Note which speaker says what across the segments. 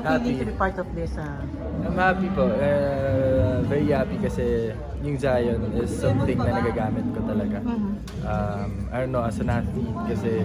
Speaker 1: feeling
Speaker 2: Happy.
Speaker 1: to be part of this?
Speaker 2: I'm happy po. Very happy kasi yung Zion is something na nagagamit ko talaga. I don't know, as an athlete kasi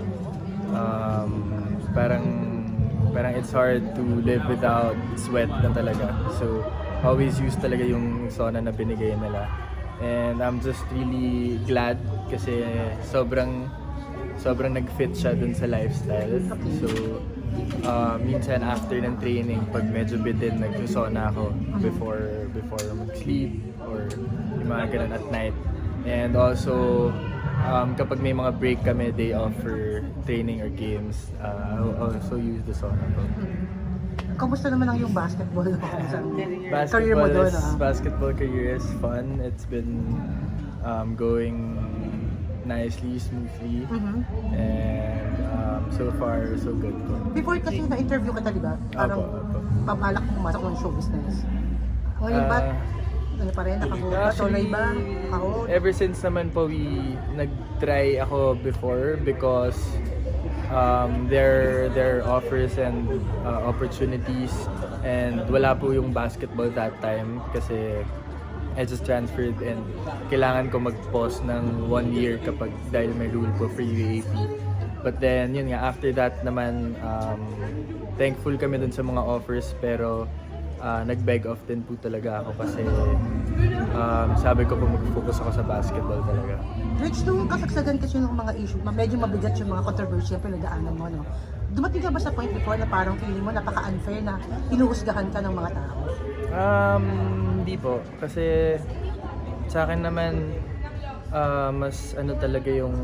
Speaker 2: parang it's hard to live without sweat na talaga. So, always use talaga yung Sona na binigay nila. And I'm just really glad kasi sobrang nag-fit siya dun sa lifestyle. So, minsan after ng training, pag medyo bitin, nag-Sona ako before mag-sleep or yung mga ganun at night. And also, kapag may mga break kami, day off for training or games, I'll also use the Sona po.
Speaker 1: Kamusta naman ang yung basketball? Career mo doon,
Speaker 2: Basketball career is fun. It's been going nicely, smoothly, and so far, so good po.
Speaker 1: Before kasi na-interview ka diba? Parang
Speaker 2: Apo.
Speaker 1: pabalak mo pumasok ng show business. Ngayon ba? Ano pa rin? Nakatuloy ba?
Speaker 2: Ever since naman po, nag-try ako before because there are offers and opportunities, and wala po yung basketball that time kasi I just transferred and kailangan ko mag-pause ng 1 year dahil may rule po for UAP. But then, yun nga, after that naman, thankful kami dun sa mga offers pero nag-beg off din po talaga ako kasi sabi ko po mag-focus ako sa basketball talaga.
Speaker 1: Rich, nung kasagsagan kasi ng mga issue, medyo mabigat yung mga controversy yung pinagdaanan mo, no? Dumating ka ba sa point before na parang feeling mo napaka-unfair na hinuhusgahan ka ng mga tao?
Speaker 2: Hindi po. Kasi sa akin naman, mas ano talaga yung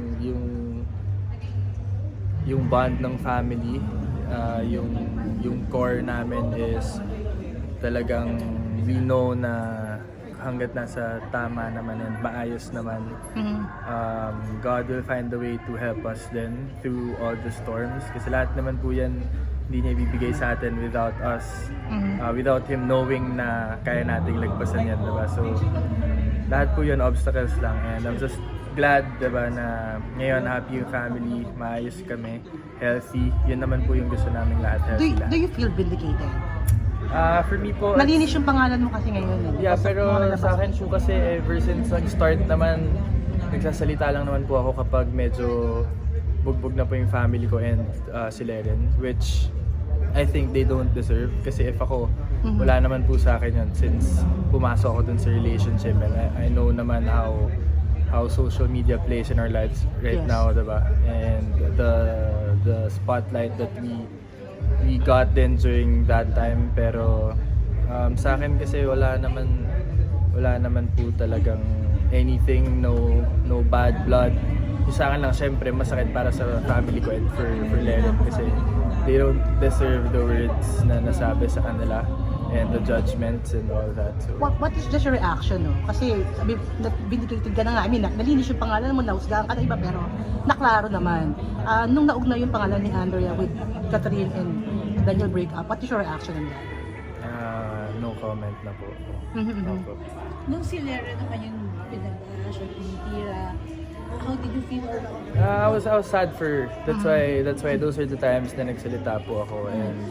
Speaker 2: bond ng family. Yung core namin is talagang we know na hanggat nasa tama naman and maayos naman, God will find a way to help us then through all the storms. Kasi lahat naman po yan hindi niya ibibigay sa atin without us, without Him knowing na kaya nating lagpasan yan, diba? So, lahat po yun obstacles lang, and I'm just glad, diba, na ngayon happy yung family, maayos kami, healthy. Yun naman po yung gusto namin lahat, healthy lahat.
Speaker 1: Do you feel vindicated?
Speaker 2: For me po,
Speaker 1: Malinis yung pangalan mo kasi ngayon.
Speaker 2: yeah, pero sa akin po kasi ever since nag-start naman, nagsasalita lang naman po ako kapag medyo bugbog na po yung family ko and si Leren, which I think they don't deserve. Kasi if ako, wala naman po sa akin yun since pumasok ako dun sa relationship, and I know naman how social media plays in our lives right now, diba? And the spotlight that we got then during that time, pero sa akin kasi wala naman po talagang anything, no bad blood. Yung sa akin lang, syempre masakit para sa family ko and for Leren kasi they don't deserve the words na nasabi sa kanila and the judgments and all that. So,
Speaker 1: what is just your reaction, no? Kasi sabi, vindicated ka na nga. I mean, nalinis yung pangalan mo, nahusgahan ka na iba, pero naklaro naman. Nung naugnay yung pangalan ni Andrea with Catherine and Daniel breakup, what is your reaction on that?
Speaker 2: no comment na po. No po.
Speaker 3: Nung si Lera naman yung pinag-ash or pinitira, how did you feel?
Speaker 2: I was sad for her. That's why those are the times na nagsalita po ako, and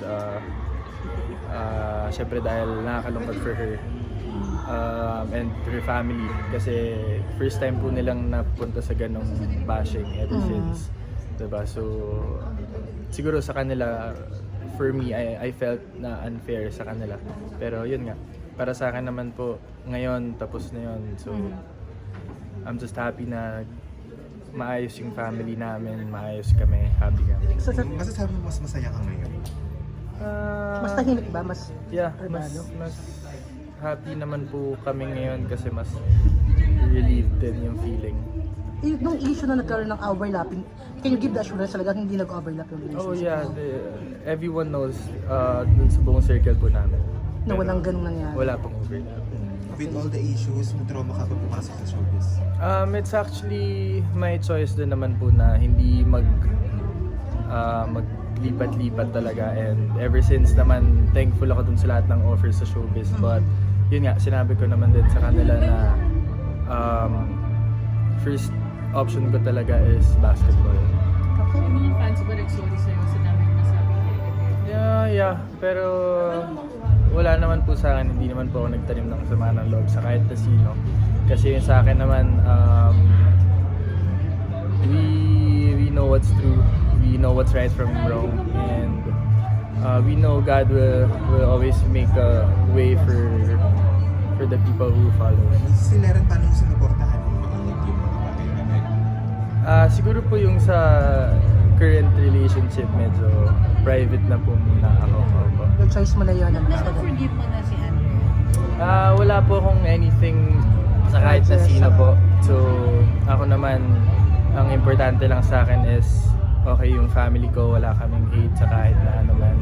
Speaker 2: syempre dahil nakakalungkot for her and her family kasi first time po nilang napunta sa ganong bashing ever since, diba? So siguro sa kanila, for me, I felt na unfair sa kanila, pero yun nga, para sa akin naman po ngayon tapos na yun, so I'm just happy na maayos yung family namin, maayos kami, happy kami.
Speaker 4: Masasabi mo mas masaya ka ngayon?
Speaker 1: Mas tahimik ba? Mas
Speaker 2: mas happy naman po kami ngayon kasi mas relieved din yung feeling.
Speaker 1: Nung issue na nagkaroon ng overlapping, can you give the assurance talaga hindi nag-overlap yung relationship?
Speaker 2: Oh yeah, everyone knows dun sa buong circle po namin.
Speaker 1: Na walang ganun nangyari?
Speaker 2: Wala pong overlap.
Speaker 4: With all the issues, may trauma ka pa pumasok sa showbiz?
Speaker 2: It's actually my choice din naman po na hindi maglipat-lipat talaga, and ever since naman thankful ako dun sa lahat ng offers sa showbiz, but yun nga, sinabi ko naman din sa kanila na first option ko talaga is basketball.
Speaker 3: Yung mga fans ba nag-sorry sa'yo sa dami nasabi nila?
Speaker 2: Yeah. Pero wala naman po sa akin, hindi naman po ako nagtanim ng kasama ng loob sa kahit na sino. Kasi yung sa akin naman, we know what's true, we know what's right from wrong, and we know God will always make a way for the people who follow.
Speaker 4: Sila rin paano yung sinuportahan yung mga bagay namin?
Speaker 2: Siguro po yung sa current relationship, medyo private na po muna ako.
Speaker 1: Yung choice mo na yun.
Speaker 3: Na-forgive mo na si Andrea.
Speaker 2: Wala po akong anything sa kahit na sino po. So, ako naman, ang importante lang sa akin is okay yung family ko, wala kaming hate sa kahit na ano man.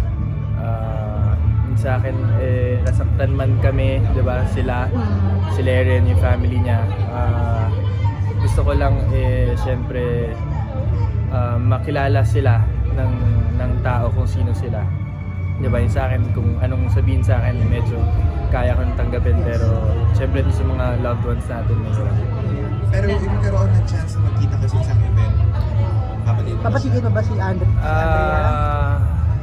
Speaker 2: Sa akin, nasaktan man kami, di ba? Sila rin, yung family niya. Gusto ko lang, syempre, makilala sila ng tao kung sino sila. Di ba? Yung sa akin, kung anong sabihin sa akin, medyo kaya ko nang tanggapin. Pero, syempre, sa mga loved ones natin, mahirap.
Speaker 4: Pero yung nagkaroon ng chance na magkita kasi sa isang event,
Speaker 1: Papatigil mo ba si Andrea?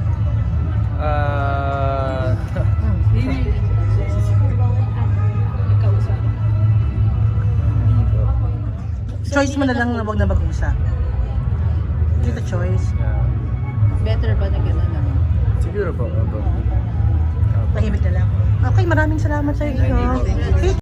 Speaker 3: Nagkausap.
Speaker 2: Hindi po.
Speaker 1: Choice mo na lang na wag na mag-usap. Kita choice.
Speaker 3: Better ba na gano'n naman?
Speaker 2: Siguro po. Opo.
Speaker 1: Tahimik na lang. Okay, maraming salamat sa iyo.
Speaker 4: Thank you.